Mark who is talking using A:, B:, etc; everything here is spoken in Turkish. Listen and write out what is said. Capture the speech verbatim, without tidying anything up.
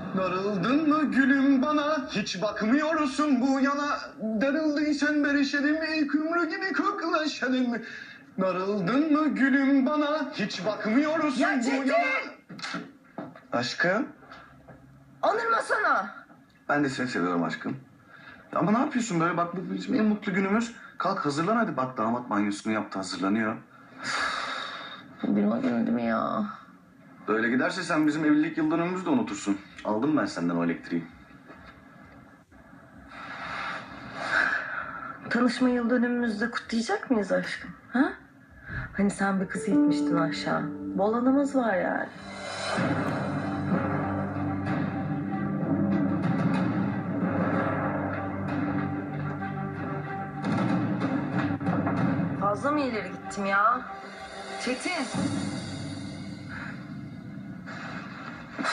A: Darıldın mı gülüm bana, hiç bakmıyorsun bu yana. Darıldıysan berişelim, ilk ümrü gibi koklaşalım. Darıldın mı gülüm bana, hiç bakmıyorsun
B: Ya
A: bu
B: Çetin!
A: yana. Aşkım,
B: Anırmasana.
A: ben de seni seviyorum aşkım. Ama ne yapıyorsun böyle, bak bu bizim en mutlu günümüz. Kalk hazırlan hadi, bak damat banyosunu yaptı, hazırlanıyor.
B: Bilme günü değil mi ya?
A: Böyle giderse sen bizim evlilik yıl dönümümüzü de unutursun. Aldım ben senden o elektriği.
B: Tanışma yıl dönümümüzde kutlayacak mıyız aşkım? Ha? Hani sen bir kız itmiştin aşağı. Bol anımız var yani. Fazla mı ileri gittim ya? Çetin.